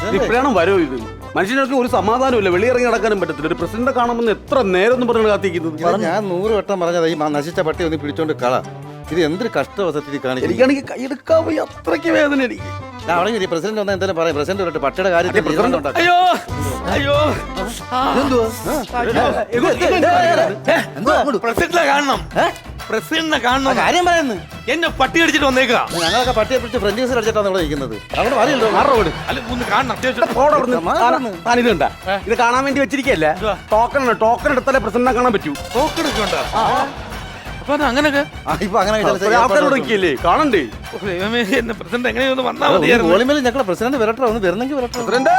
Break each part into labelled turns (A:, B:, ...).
A: ഇപ്പോഴാണ് വരോ ഇത്? മനുഷ്യനൊക്കെ ഒരു സമാധാനമില്ല, വെളിയിറങ്ങി നടക്കാനും പറ്റത്തില്ല. ഒരു പ്രസിഡന്റിനെ കാണുമെന്ന് എത്ര നേരം എന്ന് പറഞ്ഞാണ് കാത്തിരിക്കുന്നത്.
B: ഞാൻ 100 വട്ടം പറഞ്ഞത് ഈ നശിച്ച പട്ടി ഒന്ന് പിടിച്ചോണ്ട് കള. ഇത് എന്തൊരു കഷ്ടവസത്തിൽ കാണിക്കും.
A: എനിക്കാണെങ്കിൽ കൈയെടുക്കാൻ പോയി, അത്രയ്ക്ക് വേദന എനിക്ക്.
B: അവിടെ പ്രസിഡന്റ് വന്നാൽ എന്തായാലും പറയാം. പ്രസിഡന്റ് വരട്ടെ, പട്ടിയുടെ കാര്യത്തിൽ
A: അയ്യോ അയ്യോ
C: പ്രസിഡന്റിനെ കാണണം, പ്രസിഡന്റിനെ കാണണം.
B: കാര്യം പറയുന്നു.
C: എന്നെ പട്ടി അടിച്ചിട്ട് വന്നേക്കാ.
B: ഞങ്ങളൊക്കെ പട്ടിയെ പിടിച്ച് ഫ്രണ്ട് യൂസർ അടിച്ചിട്ടാണ് ഇവിടെ ഇരിക്കുന്നത്. അവിടെ പറയല്ലോ മാറോട്.
C: അല്ല ഒന്ന് കാണണം അത്യാവശ്യം.
A: താനിത് കണ്ട, ഇത് കാണാൻ വേണ്ടി വെച്ചിരിക്കല്ലേ? ടോക്കൺ എടുത്താലേ പ്രസിഡന്റിനെ കാണാൻ പറ്റൂ.
C: ടോക്കൺ എടുക്കണ്ട. അപ്പൊ അത് അങ്ങനെയൊക്കെ
B: ഇപ്പൊ അങ്ങനെ
A: ആൾക്കാരോട് നോക്കിയല്ലേ കാണണ്ടേ?
C: ദൈവമേ, എന്നെ പ്രസിഡന്റ് എങ്ങനെയൊന്ന് വന്നാൽ മതിയായിരുന്നു.
B: വോളിമേൽ ഞങ്ങളെ പ്രസിഡന്റ് വരട്ടെ, ഒന്ന് വരുന്നെങ്കിൽ വരട്ടെ.
A: പ്രസിഡന്റ്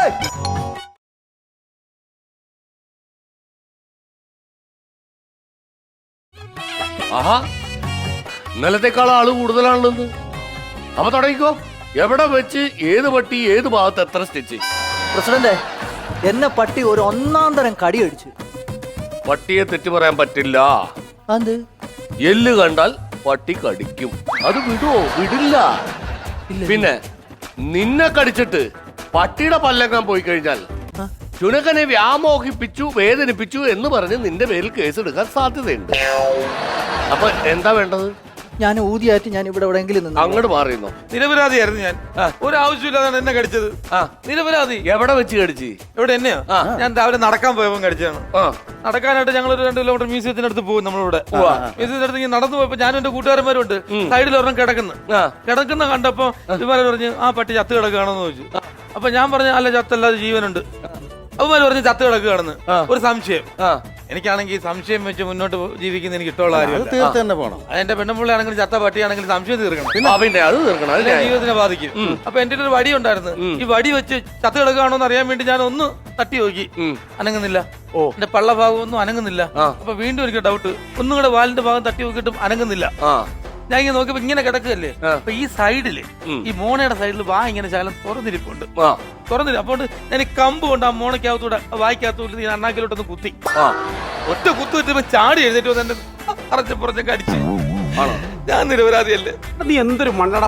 D: ആഹാ, ഇന്നലത്തെക്കാൾ ആള് കൂടുതലാണല്ലോ. അപ്പൊ തുടങ്ങിക്കോ. എവിടെ വെച്ച് ഏത് പട്ടി ഏത് ഭാഗത്ത് എത്ര സ്റ്റിച്ച്?
E: പ്രസിഡന്റ്, എന്നെ പട്ടി ഒരു ഒന്നാം തരം കടി അടിച്ചു.
D: പട്ടിയെ തെറ്റ് പറയാൻ പറ്റില്ല.
E: അത്
D: എല്ല് കണ്ടാൽ പട്ടി കടിക്കും. അത് വിടുവോ? വിടില്ല. പിന്നെ നിന്നെ കടിച്ചിട്ട് പട്ടിയുടെ പല്ലെങ്ങാൻ പോയി കഴിഞ്ഞാൽ ചുണക്കനെ വ്യാമോഹിപ്പിച്ചു, വേദനിപ്പിച്ചു എന്ന് പറഞ്ഞ് നിന്റെ പേരിൽ കേസ് എടുക്കാൻ സാധ്യതയുണ്ട്. അപ്പൊ എന്താ വേണ്ടത്?
E: ഞാൻ ഊതിയായിട്ട് ഞാൻ ഇവിടെ എവിടെയെങ്കിലും നിന്ന്
D: അങ്ങോട്ട് മാറിയുന്നോ?
C: നിരപരാധിയായിരുന്നു ഞാൻ. ഒരു ആവശ്യമില്ലാതാണ് എന്നെ കടിച്ചത്. നിരപരാധി.
D: എവിടെ വെച്ച് കടിച്ച്?
C: ഇവിടെ എന്നെയോ? ഞാൻ രാവിലെ നടക്കാൻ പോയപ്പോൾ കടിച്ചതാണ്. നടക്കാനായിട്ട് ഞങ്ങൾ ഒരു 2 കിലോമീറ്റർ മ്യൂസിയത്തിനടുത്ത് പോകും. നമ്മളിവിടെ മ്യൂസിയത്തിനടുത്ത് ഇങ്ങനെ നടന്നു പോയപ്പോ ഞാനും എന്റെ കൂട്ടുകാരന്മാരും ഉണ്ട്. സൈഡിൽ ഒരെണ്ണം കിടക്കുന്ന കണ്ടപ്പോ ഇവര് പറഞ്ഞു ആ പട്ടി ചത്ത് കിടക്കുകയാണെന്ന് ചോദിച്ചു. അപ്പൊ ഞാൻ പറഞ്ഞു അല്ല, ചത്തല്ലാതെ ജീവനുണ്ട്. അവന്മാര് പറഞ്ഞ് ചത്ത് കിടക്കുകയാണെന്ന്. ഒരു സംശയം. എനിക്കാണെങ്കിൽ സംശയം വെച്ച് മുന്നോട്ട് ജീവിക്കുന്ന എനിക്ക് ഇഷ്ടമുള്ള കാര്യം. എന്റെ പെണ്ണുമ്പിള്ളയാണെങ്കിലും ചത്ത പട്ടിയാണെങ്കിലും സംശയം തീർക്കണം.
D: പിന്നെ അത് തീർക്കണം,
C: എന്റെ ജീവിതത്തിനെ ബാധിക്കും. അപ്പൊ എന്റെ ഒരു വടി ഉണ്ടായിരുന്നു. ഈ വടി വെച്ച് ചത്ത് കിടക്കുകയാണോ എന്ന് അറിയാൻ വേണ്ടി ഞാൻ ഒന്ന് തട്ടി നോക്കി. അനങ്ങുന്നില്ല. എന്റെ പള്ള ഭാഗം ഒന്നും അനങ്ങുന്നില്ല. അപ്പൊ വീണ്ടും എനിക്ക് ഡൗട്ട്. ഒന്നും കൂടെ വാലിന്റെ ഭാഗം തട്ടി നോക്കിയിട്ടും അനങ്ങുന്നില്ല. ഞാൻ ഇങ്ങനെ നോക്കിയപ്പോ ഇങ്ങനെ കിടക്കുകയല്ലേ. അപ്പൊ ഈ സൈഡില്, ഈ മോണയുടെ സൈഡിൽ വാ ഇങ്ങനെ ശകലം തുറന്നിരിപ്പുണ്ട്. അപ്പൊ ഞാൻ ഈ കമ്പ് കൊണ്ട് ആ മോണയ്ക്കകത്തൂടെ വായിക്കകത്തൂടെ ഞാൻ അണ്ണാക്കിലോട്ടൊന്ന് കുത്തി. ഒറ്റ കുത്തു കിട്ടുമ്പോ ചാടി എഴുന്നേറ്റ് വന്ന് എന്റെ അറച്ചപ്പുറത്തൊക്കെ അടിച്ച്. ഞാൻ നിരപരാധിയല്ലേ?
A: നീ എന്തൊരു മണ്ണട.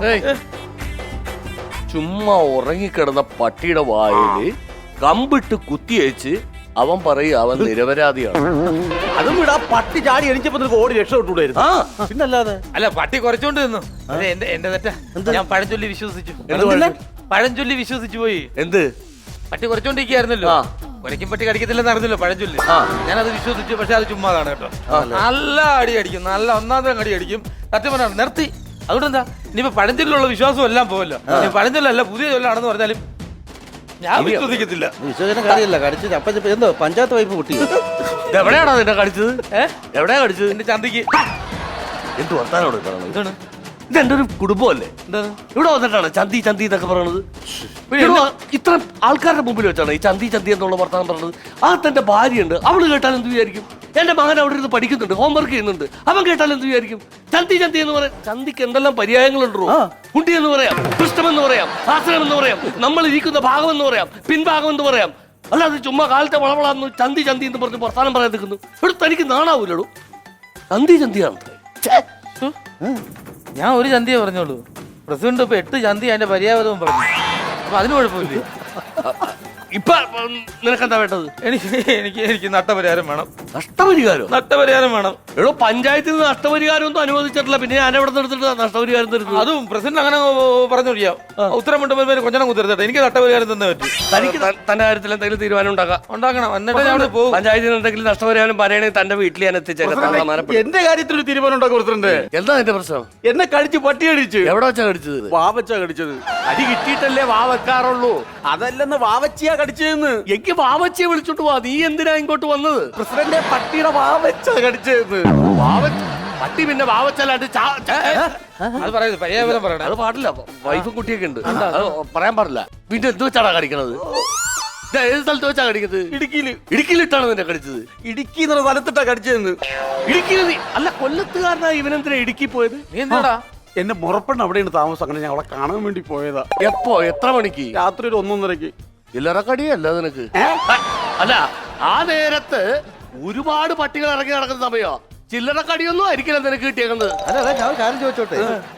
D: ചുമ്മാ ഉറങ്ങിക്കിടന്ന പട്ടിയുടെ വായില് കമ്പിട്ട് കുത്തിയച്ച് അവൻ പറയും അവൻ നിരപരാധിയാണ്.
A: അതും വിടാ, പട്ടി ചാടി എണിച്ചപ്പോ ഓടി രക്ഷപ്പെട്ടുകൂടായിരുന്നു.
B: പിന്നല്ലാതെ.
C: അല്ല, പട്ടി കുറച്ചോണ്ട് നിന്നു. എന്റെ തെറ്റാ. ഞാൻ പഴഞ്ചൊല്ലി വിശ്വസിച്ചു. പഴഞ്ചൊല്ലി വിശ്വസിച്ചു പോയി.
D: എന്ത്?
C: പട്ടി കുറച്ചോണ്ടിരിക്കുകയായിരുന്നല്ലോ. ഒരയ്ക്കും പട്ടി കടിക്കത്തില്ലെന്ന് അറിഞ്ഞല്ലോ പഴഞ്ചൊല്ലി. ഞാനത് വിശ്വസിച്ചു. പക്ഷെ അത് ചുമ്മാതാണ് കേട്ടോ. നല്ല അടി അടിക്കും, നല്ല ഒന്നാമത്തെ അടി അടിക്കും. സത്യം പറഞ്ഞാൽ നിർത്തി. അതുകൊണ്ട് എന്താ, ഇനിയിപ്പോ പഴഞ്ചൊല്ലിലുള്ള വിശ്വാസം എല്ലാം പോവല്ലോ. പഴഞ്ചൊല്ലല്ല പുതിയ ചൊല്ലാണെന്ന് പറഞ്ഞാലും ഞാൻ വിശ്വസിക്കത്തില്ല.
B: വിശ്വസിക്കുന്ന കാര്യമല്ല. കടിച്ചത് അപ്പൊ എന്തോ പഞ്ചായത്ത് വൈപ്പ് പൊട്ടി.
D: എവിടെയാണോ നിന്നെ കടിച്ചത്? എവിടെയാ കടിച്ചത്?
C: എന്റെ ചന്തിക്ക്.
D: എന്ത് വർത്താനോട് ഇതാണ്? ഇതെന്റെ ഒരു കുടുംബമല്ലേ? ഇവിടെ വന്നിട്ടാണ് ചന്തി ചന്തി എന്നൊക്കെ പറയണത്. ഇത്ര ആൾക്കാരുടെ മുമ്പിൽ വെച്ചാണ് ഈ ചന്തി ചന്തി എന്നുള്ള വർത്താനം പറഞ്ഞത്. ആ തന്റെ ഭാര്യയുണ്ട്, അവള് കേട്ടാൽ എന്ത് വിചാരിക്കും? എന്റെ മകൻ അവിടെ ഇരുന്ന് പഠിക്കുന്നുണ്ട്, ഹോംവർക്ക് ചെയ്യുന്നുണ്ട്, അവൻ കേട്ടാൽ എന്ത് വിചാരിക്കും? ചന്തി ചന്തി എന്ന് പറയാം. ചന്തിക്ക് എന്തെല്ലാം പര്യായങ്ങളുണ്ടോ? കുട്ടി എന്ന് പറയാം, പൃഷ്ഠം എന്ന് പറയാം, ആശ്രയം എന്ന് പറയാം, നമ്മൾ ഇരിക്കുന്ന ഭാഗം എന്ന് പറയാം, പിൻഭാഗം എന്ന് പറയാം. അല്ലാതെ ചുമ്മാ കാലത്തെ വളവളാന്ന് ചന്തി ചന്തി എന്ന് പറഞ്ഞ് വർത്താനം പറയാൻ നിൽക്കുന്നു. ഇവിടെ തനിക്ക് നാണാവൂലോ? ചന്തി ചന്തിയാണ്.
C: ഞാൻ ഒരു ചന്തിയെ പറഞ്ഞോളൂ. പ്രസിഡന്റ് ഇപ്പൊ 8 ചന്തി അതിന്റെ പര്യാവതവും പറഞ്ഞു. അപ്പൊ അതിന് കുഴപ്പമില്ലേ?
D: ഇപ്പൊ നിനക്കെന്താ വേണ്ടത്?
C: എനിക്ക് നഷ്ടപരിഹാരം വേണം.
D: നഷ്ടപരിഹാരം?
C: നഷ്ടപരിഹാരം വേണം.
D: എടോ, പഞ്ചായത്തിൽ നിന്ന് നഷ്ടപരിഹാരം ഒന്നും അനുവദിച്ചിട്ടില്ല. പിന്നെ ഞാൻ എവിടെ എടുത്തിട്ട് നഷ്ടപരിഹാരം തരുന്നത്?
C: അതും പ്രസിഡന്റ് അങ്ങനെ പറഞ്ഞോടിയാ. ഉത്തരം കൊണ്ടുപോയി കൊഞ്ഞണം കുത്തിരുത്തട്ടെ. എനിക്ക് നഷ്ടപരിഹാരം തന്നെ പറ്റും.
D: തനിക്ക് തന്റെ കാര്യത്തിൽ എന്തെങ്കിലും തീരുമാനം
C: ഉണ്ടാക്കണം. എന്നിട്ട് ഞാൻ പോകും.
D: പഞ്ചായത്തിൽ നിന്ന് എന്തെങ്കിലും നഷ്ടപരിഹാരം പറയണെങ്കിൽ തന്റെ വീട്ടിൽ ഞാൻ എത്തിച്ചേക്കാം.
A: എന്റെ കാര്യത്തിൽ ഒരു തീരുമാനം ഉണ്ടാക്കും പ്രസിഡന്റ്.
D: എന്താ എന്റെ പ്രശ്നം?
A: എന്നെ കടിച്ച് പട്ടി അടിച്ചു.
D: എവിടെ വെച്ചാ കടിച്ചത്?
A: വാ വെച്ചാ കടിച്ചത്.
D: അടി കിട്ടിയിട്ടല്ലേ വാ വെക്കാറുള്ളൂ.
A: അതല്ലെന്ന് വാവച്ചിയാ കടിച്ചതെന്ന്.
D: എനിക്ക് വാവച്ചിയെ വിളിച്ചോട്ട് വാ. നീ എന്തിനാ ഇങ്ങോട്ട് വന്നത്?
A: പ്രസിഡന്റ് പട്ടിയുടെ വാവച്ചാ കടിച്ചതെന്ന്.
D: പട്ടി പിന്നെ വാവച്ചല്ലാണ്ട്
C: അത് പറയുന്നത് പര്യാവതം പറയണേ.
D: അത് പാടില്ല. വൈഫും കുട്ടിയൊക്കെ ഉണ്ട്, അത് പറയാൻ പാടില്ല. പിന്നെ എന്ത് വെച്ചാടാ കടിക്കണത്? ഏത് സ്ഥലത്ത് വെച്ചാ കടിക്കുന്നത്? ഇടുക്കിയിലിട്ടാണ് നിന്നെ കടിച്ചത്?
A: ഇടുക്കി എന്നുള്ള സ്ഥലത്തിട്ടാ കടിച്ചതെന്ന്.
D: ഇടുക്കിയിൽ? അല്ല, കൊല്ലത്തുകാരനാ ഇവനെന്തിനാ ഇടുക്കി പോയത്?
C: നീ എന്താടാ?
A: എന്റെ മുറപ്പെണ്ണ അവിടെയാണ് താമസം. അങ്ങനെ ഞാൻ അവളെ കാണാൻ വേണ്ടി പോയതാ.
D: എപ്പോ? എത്ര മണിക്ക്?
A: രാത്രി ഒരു 1:30.
D: ചില്ലറക്കടിയല്ല നിനക്ക്? അല്ല, ആ നേരത്ത് ഒരുപാട് പട്ടികൾ ഇറങ്ങി നടക്കുന്ന സമയോ? ചില്ലറക്കടിയൊന്നും ആയിരിക്കില്ല നിനക്ക് കിട്ടിയേക്കുന്നത്.
B: അല്ല, ഞാൻ കാര്യം ചോദിച്ചോട്ടെ.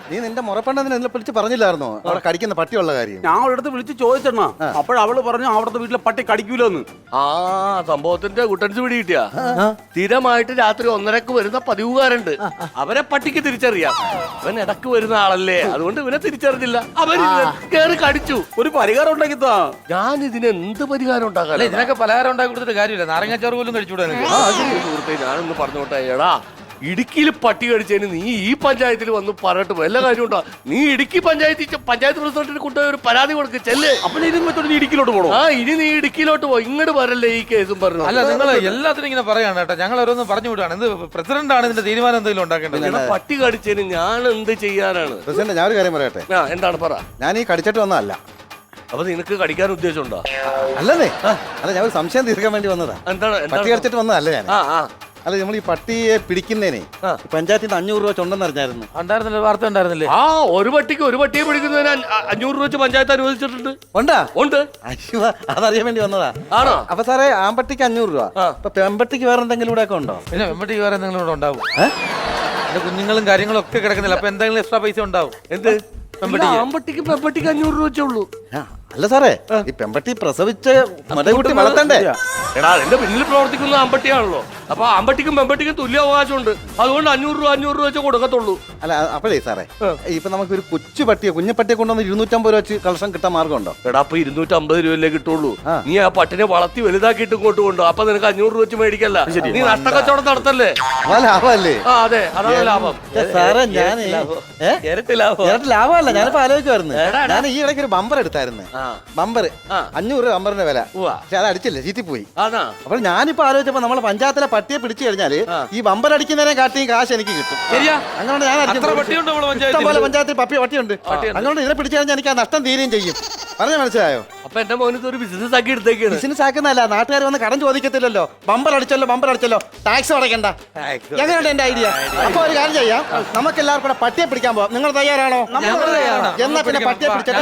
B: നീ നിന്റെ മുറപ്പെണ്ണതിനെ എന്നെ വിളിച്ച് പറഞ്ഞില്ലായിരുന്നോ അവിടെ കടിക്കുന്ന പട്ടിയുള്ള കാര്യം?
A: ഞാൻ അവളടുത്ത് വിളിച്ച് ചോദിച്ചെണ്ണ, അപ്പോഴവള് പറഞ്ഞു അവിടുത്തെ വീട്ടിലെ പട്ടി കടിക്കൂലെന്ന്.
D: ആ സംഭവത്തിന്റെ കുട്ടൻസ് പിടി കിട്ടിയ സ്ഥിരമായിട്ട് രാത്രി 1:30 വരുന്ന പതിവുകാരുണ്ട്. അവരെ പട്ടിക്ക് തിരിച്ചറിയാം. അവൻ ഇടക്ക് വരുന്ന ആളല്ലേ, അതുകൊണ്ട് ഇവനെ തിരിച്ചറിഞ്ഞില്ല. അവൻ കേറി കടിച്ചു.
A: ഒരു പരിഹാരം ഉണ്ടാക്കി താ.
D: ഞാൻ ഇതിന് എന്ത് പരിഹാരം ഉണ്ടാക്കാൻ?
C: അല്ല ഇതിനൊക്കെ പലഹാരം ഉണ്ടാക്കി കൊടുത്തിട്ട് കാര്യമില്ല, നാരങ്ങാച്ചാറ് പോലും കഴിച്ചുകൂടാ നിനക്ക്.
D: സുഹൃത്തെ ഞാനൊന്ന് പറഞ്ഞോട്ടെ, എടാ ഇടുക്കിയിൽ പട്ടി കടിച്ചതിന് നീ ഈ പഞ്ചായത്തിൽ വന്ന് പറഞ്ഞിട്ട് വല്ല കാര്യമുണ്ടോ? നീ ഇടുക്കി പഞ്ചായത്ത് പ്രസിഡന്റിന് കൊണ്ടുപോയി ഒരു പരാതി കൊടുക്ക് ചെല്ലേ.
A: അപ്പൊ ഇതും വെച്ചോണ്ട് നീ ഇടുക്കിയിലോട്ട് പോകണോ?
D: ആ ഇനി നീ ഇടുക്കിയിലോട്ട് പോ, ഇങ്ങോട്ട് വരല്ലേ ഈ കേസും പറഞ്ഞു.
C: അല്ല നിങ്ങൾ എല്ലാത്തിനും ഇങ്ങനെ പറയാണ് കേട്ടോ, ഞങ്ങൾ ഓരോന്ന് പറഞ്ഞു വിടുകയാണ്. ഇത് പ്രസിഡന്റ് ആണ് ഇതിന്റെ തീരുമാനം എന്തെങ്കിലും ഉണ്ടാക്കേണ്ടത്.
D: എടാ, പട്ടി കടിച്ചതിന് ഞാൻ എന്ത് ചെയ്യാനാണ്?
B: പ്രസിഡന്റ് ഞാൻ ഒരു കാര്യം പറയട്ടെ.
D: എന്താണ് പറ.
B: ഞാൻ ഈ കടിച്ചിട്ട് വന്നതല്ല.
D: അപ്പൊ നിനക്ക് കടിക്കാൻ ഉദ്ദേശമുണ്ടോ?
B: അല്ലെന്നേ, അല്ല ഞാൻ ഒരു സംശയം തീർക്കാൻ വേണ്ടി വന്നതാ.
D: എന്താണ്
B: പട്ടി കടിച്ചിട്ട് വന്നതല്ല ഞാൻ.
D: ആ
B: അല്ല നമ്മൾ ഈ പട്ടിയെ പിടിക്കുന്നതിനെ പഞ്ചായത്തിൽ നിന്ന് 500 രൂപ ചുണ്ടെന്ന് അറിഞ്ഞായിരുന്നു.
C: ഉണ്ടായിരുന്നില്ല, വാർത്ത ഉണ്ടായിരുന്നില്ലേ?
D: ആ ഒരു പട്ടിയെ പിടിക്കുന്നതിന് 500 രൂപ വെച്ച് പഞ്ചായത്ത് അനുവദിച്ചിട്ടുണ്ട്.
B: ഉണ്ടാ?
D: ഉണ്ട്.
B: അയ്യോ, അതറിയാൻ വേണ്ടി വന്നതാ.
D: ആണോ?
B: അപ്പൊ സാറേ ആമ്പട്ടിക്ക് 500 രൂപ. അപ്പൊ പെമ്പട്ടിക്ക് വേറെ എന്തെങ്കിലും ഇവിടെ ഒക്കെ ഉണ്ടോ?
C: പിന്നെ വെമ്പട്ടി വേറെ എന്തെങ്കിലും ഇവിടെ ഉണ്ടാവും. എന്റെ കുഞ്ഞുങ്ങളും കാര്യങ്ങളും ഒക്കെ കിടക്കുന്നില്ല, അപ്പൊ എന്തെങ്കിലും എക്സ്ട്രാ പൈസ ഉണ്ടാവും.
D: എന്ത്? ആമ്പട്ടിക്ക് പെമ്പട്ടിക്ക് 500 രൂപ വെച്ചുള്ളൂ.
B: അല്ല സാറേ, ഈ പെമ്പട്ടി പ്രസവിച്ച് മതകുട്ടി വളർത്തണ്ടേ?
D: എടാ എന്റെ പിന്നിൽ പ്രവർത്തിക്കുന്ന ആമ്പട്ടിയാണല്ലോ, അപ്പൊ ആമ്പട്ടിക്കും പെമ്പട്ടിക്കും തുല്യ അവകാശമുണ്ട്. അതുകൊണ്ട് 500 രൂപ വെച്ച് കൊടുക്കത്തുള്ളൂ.
B: അല്ല അപ്പോഴേ സാറേ, ഇപ്പൊ നമുക്ക് ഒരു കുഞ്ഞുപട്ടിയെ കൊണ്ടുവന്ന് 250 രൂപ വെച്ച് കളക്ഷൻ കിട്ടാൻ മാർഗമുണ്ടോ?
D: എടാ അപ്പൊ 250 രൂപയല്ലേ കിട്ടുള്ളൂ. നീ ആ പട്ടിനെ വളർത്തി വലുതാക്കിയിട്ട് ഇങ്ങോട്ട് കൊണ്ടു, അപ്പൊ നിനക്ക് 500 രൂപ വെച്ച് മേടിക്കല്ല. നീ നഷ്ടക്കച്ചവടം നടത്തല്ലേ?
B: ലാഭമല്ലേ?
D: ആ അതെ, അതാണ് ലാഭം.
B: സാറേ ഞാൻ
D: ഇരട്ടി ലാഭം.
B: ലാഭമല്ല, ഞാനിപ്പോ ആലോചിക്കുമായിരുന്നു. ഞാൻ ഈ ഇടയ്ക്ക് ഒരു ബമ്പർ എടുത്തായിരുന്നു. ബമ്പർ 500 രൂപ ബമ്പറിന്റെ വില. പക്ഷെ അത് അടിച്ചില്ല, ചീറ്റിപ്പോയി. അപ്പോൾ ഞാനിപ്പോ ആലോചിച്ചപ്പോ നമ്മളെ പഞ്ചായത്തിലെ പട്ടിയെ പിടിച്ചു കഴിഞ്ഞാല് ഈ ബമ്പർ അടിക്കുന്നതിനെ കാട്ടിയും കാശ് എനിക്ക് കിട്ടും. അങ്ങനെ ഞാൻ ഇഷ്ടംപോലെ പഞ്ചായത്തിൽ പട്ടിയുണ്ട്. അതുകൊണ്ട് ഇതിനെ പിടിച്ചു കഴിഞ്ഞാൽ എനിക്ക് ആ നഷ്ടം തീരുകയും ചെയ്യും. പറഞ്ഞ മനസ്സിലായോ?
D: അപ്പൊ എന്റെ മോനത്ത് ഒരു ബിസിനസ് ആക്കി എടുത്തേക്കാണ്.
B: ബിസിനസ് ആക്കുന്നതല്ല, നാട്ടുകാർ വന്ന് കടം ചോദിക്കത്തില്ലല്ലോ. Bumper അടിച്ചല്ലോ, tax അടയ്ക്കണ്ട. എങ്ങനെയുണ്ട് എന്റെ ഐഡിയ? അപ്പൊ ഒരു കാര്യം ചെയ്യാം, നമുക്ക് എല്ലാവർക്കും കൂടെ പട്ടിയെ പിടിക്കാൻ പോവാം. നിങ്ങൾ തയ്യാറാണോ? എന്നാ പിന്നെ പട്ടിയെ പിടിച്ചിട്ട്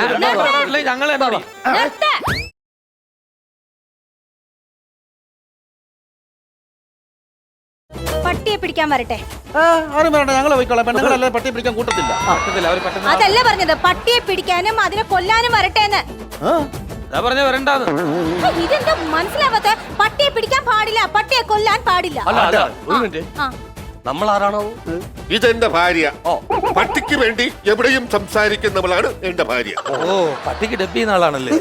C: ഞങ്ങൾ
F: പട്ടിയെ പിടിക്കാൻ വരട്ടെ.
B: ആരും വേണ്ട, ഞങ്ങൾ പോയിക്കോളാം. പെണ്ണുങ്ങളല്ലേ പട്ടിയെ പിടിക്കാൻ കൂട്ടത്തില്ല.
F: അതല്ല പറഞ്ഞത്, പട്ടിയെ പിടിക്കാനും അതിനെ കൊല്ലാനും വരട്ടെ.
C: പറഞ്ഞ വരണ്ടാന്ന്.
F: ഇതെന്താ മനസ്സിലാവാത്ത? പട്ടിയെ പിടിക്കാൻ പാടില്ല, പട്ടിയെ കൊല്ലാൻ പാടില്ല.
D: അല്ല ഒരു മിനിറ്റ്, നമ്മൾ ആരാണോ?
G: ഇതെന്റെ ഭാര്യ. പട്ടിക്ക് വേണ്ടി എവിടെയും സംസാരിക്കുന്നവളാണ് എന്റെ ഭാര്യ.
C: ഓ, പട്ടിക്ക് ഡബ് ചെയ്യുന്ന ആളാണല്ലേ?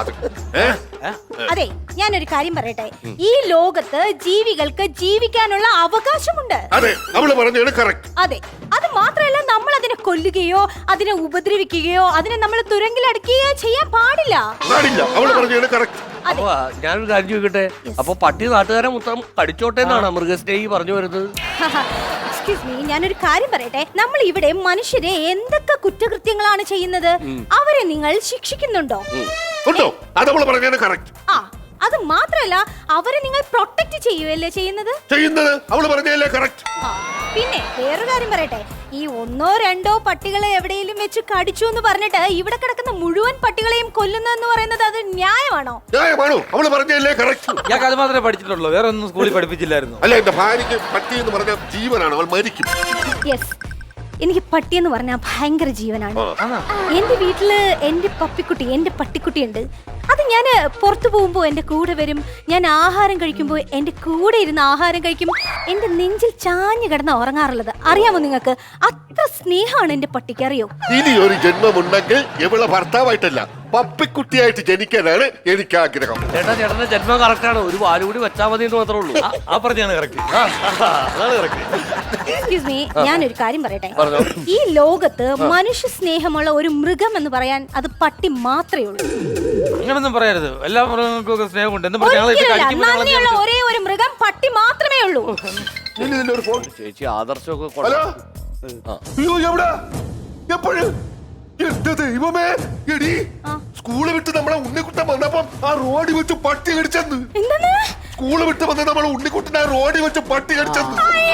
F: അതെ, ഞാനൊരു കാര്യം പറയട്ടെ. ഈ ലോകത്ത് ജീവികൾക്ക് ജീവിക്കാനുള്ള അവകാശമുണ്ട്.
G: അതെ, അവള് പറഞ്ഞാണ് കറക്റ്റ്.
F: അതെ, അത് മാത്രമല്ല, നമ്മൾ അതിനെ കൊല്ലുകയോ അതിനെ ഉപദ്രവിക്കുകയോ അതിനെ നമ്മൾ തുരങ്കിലടക്കുകയോ ചെയ്യാൻ പാടില്ല.
G: അവള് പറഞ്ഞാണ് കറക്റ്റ്.
D: അപ്പൊ ഞാനൊരു കാര്യം ചോദിക്കട്ടെ, അപ്പൊ പട്ടി നാട്ടുകാരെ മൊത്തം കടിച്ചോട്ടെ എന്നാണ് മൃഗസ്നേഹി പറഞ്ഞു വരുന്നത്?
F: എക്സ്ക്യൂസ് മീ, ഞാനൊരു കാര്യം പറയട്ടെ. നമ്മൾ ഇവിടെ മനുഷ്യരെ എന്തൊക്കെ കുറ്റകൃത്യങ്ങളാണ് ചെയ്യുന്നത്? അവരെ നിങ്ങൾ ശിക്ഷിക്കുന്നുണ്ടോ?
G: അതവള് പറഞ്ഞാണ് കറക്റ്റ്.
F: ആ, അത് മാത്രമല്ല, അവരെ നിങ്ങൾ പ്രൊട്ടക്ട് ചെയ്യുകയല്ലേ ചെയ്യുന്നത്?
G: അവള് പറഞ്ഞല്ലേ കറക്റ്റ്.
F: പിന്നെ വേറൊരു കാര്യം പറയട്ടെ. ഈ 1-2 പട്ടികളെ എവിടെയെങ്കിലും വെച്ച് കടിച്ചു എന്ന് പറഞ്ഞിട്ട് ഇവിടെ കിടക്കുന്ന മുഴുവൻ പട്ടികളെയും കൊല്ലുന്നെന്ന് പറയുന്നത് അത് ന്യായമാണോ?
G: അവള് പറഞ്ഞല്ലേ കറക്റ്റ്.
C: ഞാൻ അത് മാത്രമേ പഠിച്ചിട്ടുള്ളൂ, വേറെ ഒന്നും സ്കൂളിൽ പഠിപ്പിച്ചില്ലായിരുന്നു.
G: അല്ല, എന്റെ ഭാര്യക്ക് പട്ടി എന്ന് പറഞ്ഞ ജീവനാണ്, അവൾ മരിക്കും.
F: യെസ്, എനിക്ക് പട്ടിയെന്ന് പറഞ്ഞാൽ ഭയങ്കര ജീവനാണ്. എന്റെ വീട്ടില് എന്റെ പപ്പിക്കുട്ടി, എന്റെ പട്ടിക്കുട്ടിയുണ്ട്. അത് ഞാൻ പുറത്തു പോകുമ്പോൾ എന്റെ കൂടെ വരും. ഞാൻ ആഹാരം കഴിക്കുമ്പോൾ എന്റെ കൂടെ ഇരുന്ന് ആഹാരം കഴിക്കും. എന്റെ നെഞ്ചിൽ ചാഞ്ഞു കിടന്ന് ഉറങ്ങാറുള്ളത് അറിയാമോ നിങ്ങൾക്ക്? അത്ര സ്നേഹമാണ് എന്റെ പട്ടിക്ക്, അറിയോ?
G: ഇനി ഒരു ജന്മമുണ്ടെങ്കിൽ ഇവളെ ഭർത്താവായിട്ടല്ല, പപ്പിക്കുട്ടിയായിട്ട് ജനിക്കാനാണ് എനിക്ക് ആഗ്രഹം.
D: ചേട്ടന്റെ ജന്മം കറക്റ്റാണ്, ഒരു വാല് കൂടി വെച്ചാൽ മതി എന്ന് മാത്രമേ ഉള്ളൂ.
C: ആ പറഞ്ഞാണ് കറക്റ്റ്.
F: എക്സ്ക്യൂസ് മീ, ഞാനൊരു കാര്യം പറയട്ടെ. ഈ ലോകത്ത് മനുഷ്യ സ്നേഹമുള്ള ഒരു മൃഗം എന്ന് പറയാൻ അത് പട്ടി മാത്രമേ ഉള്ളൂ.
C: അങ്ങനൊന്നും പറയരുത്, എല്ലാ മൃഗങ്ങൾക്കും സ്നേഹമുണ്ട്.
F: നന്ദിയുള്ള ഒരേ ഒരു മൃഗം പട്ടി മാത്രമേ ഉള്ളൂ.
D: ചേച്ചി ആദർശമൊക്കെ
G: ഹലോ, അയ്യോ എവിടെ എപ്പോഴും എന്റെ ദൈവമേ, എടി സ്കൂള് വിട്ട് നമ്മളെ ഉണ്ണിക്കുട്ടൻ വന്നപ്പം ആ റോഡിൽ വെച്ച് പട്ടി കടിച്ചെന്ന്. സ്കൂള് വിട്ട് വന്ന് നമ്മളെ ഉണ്ണിക്കുട്ടൻ ആ റോഡിൽ വെച്ച് പട്ടി കടിച്ചെന്ന്.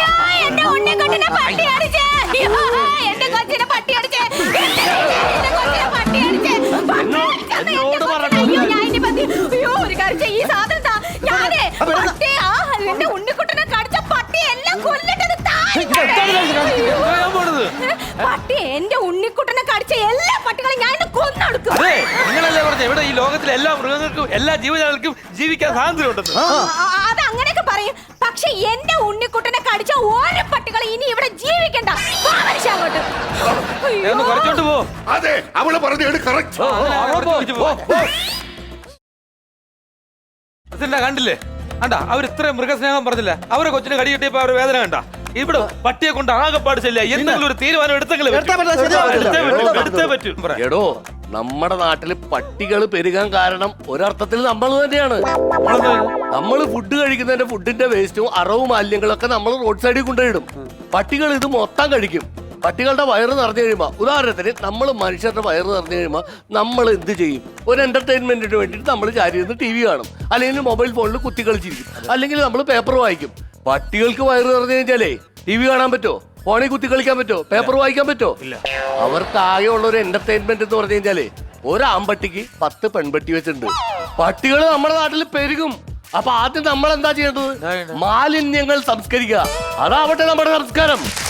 F: ഈ സാധനം ഉണ്ണിക്കുട്ടനെ കടിച്ച പട്ടി എല്ലാം കൊല്ലിട്ടത് പട്ടി
C: ഇവിടെ ഈ ലോകത്തിലെ എല്ലാ മൃഗങ്ങൾക്കും എല്ലാ ജീവജാലങ്ങൾക്കും ജീവിക്കാൻ സ്വാതന്ത്ര്യം ഉണ്ടെന്ന്.
F: അത് അങ്ങനെയൊക്കെ പറയും. പക്ഷെ എന്റെ ഉണ്ണിക്കുട്ടനെ കടിച്ച ഓരോ പട്ടികളെ ഇനി ഇവിടെ ജീവിക്കണ്ട. വാ മനുഷ്യ അങ്ങോട്ട്.
C: ദേ ഒന്ന് കുറച്ചോണ്ട് പോ.
G: അതെ അവള് പറഞ്ഞാണ് കറക്റ്റ്.
C: പ്രസിഡന്റ് കണ്ടില്ലേ, കണ്ടാ അവർ ഇത്രയും മൃഗസ്നേഹം പറഞ്ഞില്ല. അവരെ കൊച്ചിന് കടി കിട്ടിയപ്പോ അവരുടെ വേദന കണ്ട. ഇവിടെ പട്ടിയെ കൊണ്ട് ആകെപ്പാട് ശല്യ. എന്തെങ്കിലും ഒരു തീരുമാനം എടുത്തേ പറ്റും.
D: എടോ നമ്മുടെ നാട്ടില് പട്ടികൾ പെരുകാൻ കാരണം ഒരർത്ഥത്തിൽ നമ്മൾ തന്നെയാണ്. നമ്മൾ ഫുഡ് കഴിക്കുന്നതിന്റെ ഫുഡിന്റെ വേസ്റ്റും അറവും മാലിന്യങ്ങളൊക്കെ നമ്മൾ റോഡ് സൈഡിൽ കൊണ്ടുപോയിടും. പട്ടികൾ ഇത് മൊത്തം കഴിക്കും. പട്ടികളുടെ വയറ് നിറഞ്ഞു കഴിയുമ്പോൾ, ഉദാഹരണത്തിന് നമ്മൾ മനുഷ്യരുടെ വയറ് നിറഞ്ഞു കഴിയുമ്പോൾ നമ്മൾ എന്ത് ചെയ്യും? ഒരു എന്റർടൈൻമെന്റിന് വേണ്ടിയിട്ട് നമ്മൾ ചാരി ഇരുന്ന് TV കാണും, അല്ലെങ്കിൽ മൊബൈൽ ഫോണിൽ കുത്തി കളിച്ചിരിക്കും, അല്ലെങ്കിൽ നമ്മൾ പേപ്പർ വായിക്കും. പട്ടികൾക്ക് വയറ് നിറഞ്ഞു കഴിഞ്ഞാലേ TV കാണാൻ പറ്റുമോ? ഫോണിൽ കുത്തി കളിക്കാൻ പറ്റുമോ? പേപ്പർ വായിക്കാൻ പറ്റുമോ? ഇല്ല. അവർക്ക് ആകെ ഉള്ള ഒരു എന്റർടൈൻമെന്റ് എന്ന് പറഞ്ഞു കഴിഞ്ഞാലേ ഒരു ആമ്പട്ടിക്ക് 10 പെൺപട്ടി വെച്ചിട്ടുണ്ട്. പട്ടികൾ നമ്മുടെ നാട്ടിൽ പെരുകും. അപ്പൊ ആദ്യം നമ്മൾ എന്താ ചെയ്യേണ്ടത്? മാലിന്യങ്ങൾ സംസ്കരിക്കുക. അതാവട്ടെ നമ്മുടെ സംസ്കാരം.